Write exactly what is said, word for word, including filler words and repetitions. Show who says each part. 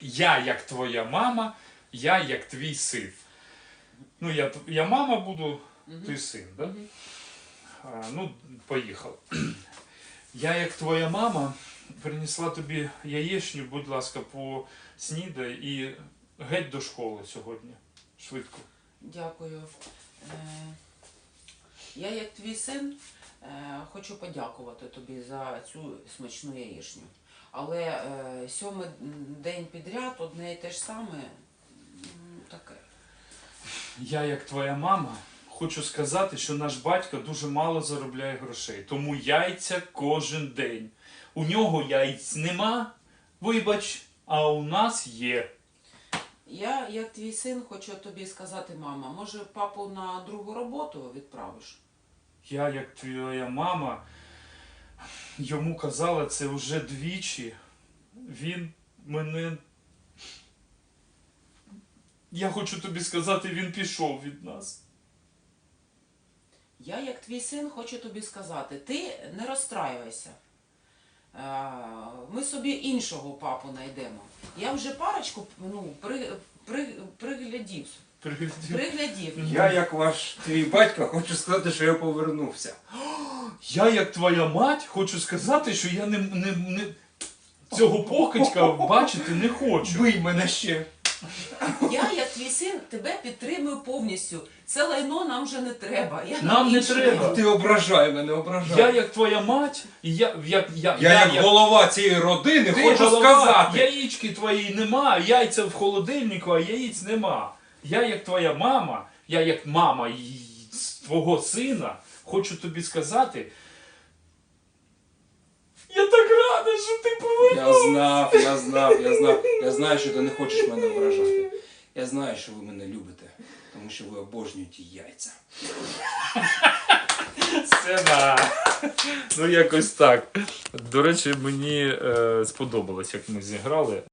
Speaker 1: Я як твоя мама, я як твій син. Ну, я, я мама буду, ти син, да? А, ну, поїхали. Я як твоя мама принесла тобі яєчню, будь ласка, поснідай і геть до школи сьогодні. Швидко.
Speaker 2: Дякую. Е, Я, як твій син, е, хочу подякувати тобі за цю смачну яєчню. Але е, сьомий день підряд одне і те ж саме, м, таке.
Speaker 1: Я, як твоя мама, хочу сказати, що наш батько дуже мало заробляє грошей. Тому яйця кожен день. У нього яйць нема, вибач, а у нас є.
Speaker 2: Я, як твій син, хочу тобі сказати, мама, може папу на другу роботу відправиш?
Speaker 1: Я, як твоя мама, йому казала це вже двічі. Він мене... Я хочу тобі сказати, він пішов від нас.
Speaker 2: Я, як твій син, хочу тобі сказати, ти не розстраювайся. Е, Ми собі іншого папу знайдемо. Я вже парочку ну, при, при, приглядів.
Speaker 1: Приглядів.
Speaker 2: Приглядів.
Speaker 3: Я, як ваш твій батько, хочу сказати, що я повернувся.
Speaker 1: Я, як твоя мать, хочу сказати, що я не, не, не... цього покидька бачити не хочу.
Speaker 3: Бий мене ще.
Speaker 2: Я, як твій син, тебе підтримую повністю. Це лайно нам вже не треба. Я
Speaker 1: Нам не
Speaker 2: інше
Speaker 1: треба.
Speaker 2: йду.
Speaker 3: Ти ображай мене, ображай.
Speaker 1: Я, як твоя мать, і я, як, я,
Speaker 3: Я, як голова цієї родини,
Speaker 1: Ти
Speaker 3: хочу
Speaker 1: голова,
Speaker 3: сказати.
Speaker 1: яєчки твої нема, яйця в холодильнику, а яєць нема. Я, як твоя мама, я як мама й- твого сина, хочу тобі сказати, я так рада, що ти повернувся.
Speaker 3: Я знав, я знав, я знав. Я знаю, що ти не хочеш мене ображати. Я знаю, що ви мене любите, тому що ви обожнюєте яйця.
Speaker 1: Сцена. Ну, якось так. До речі, мені е, сподобалось, як ми зіграли.